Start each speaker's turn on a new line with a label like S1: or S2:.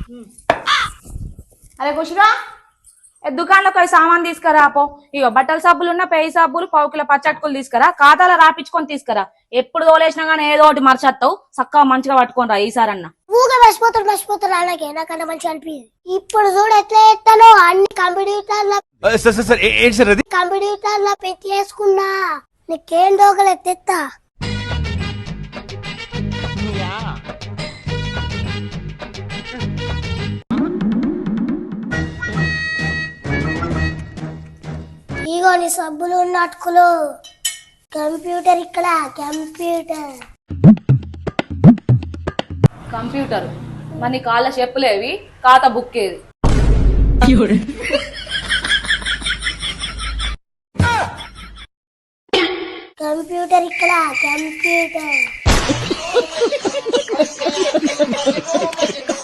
S1: అరే కుషిగా దుకాణంలో పోయి సామాన్ తీసుకురా పో. ఇగో బట్టల సబ్బులు ఉన్న పేయి సబ్బులు 1 కిలో పచ్చట్టుకులు తీసుకురా, ఖాతాలో రాపించుకొని తీసుకురా. ఎప్పుడు తోలేసినా గానీ ఏదో ఒకటి మర్చేస్తావు, చక్కగా మంచిగా పట్టుకొని రా ఈసారన్నా.
S2: ఊగా మర్చిపోతారు అలాగే నాకన్నా మంచిగా అనిపించింది. ఇప్పుడు చూడు ఎట్లా ఎత్తానో అన్ని కంప్యూటర్ల పెట్టి వేసుకున్నా. నీకేం దోగలు ఎత్తెత్తా. ఇగో నీ సబ్బులు ఉన్న అటుకులు. కంప్యూటర్ ఇక్కడ
S1: కంప్యూటర్ మరి నీ కాళ్ళ చెప్పులేవి, ఖాతా బుక్ ఏది?
S2: కంప్యూటర్ ఇక్కడ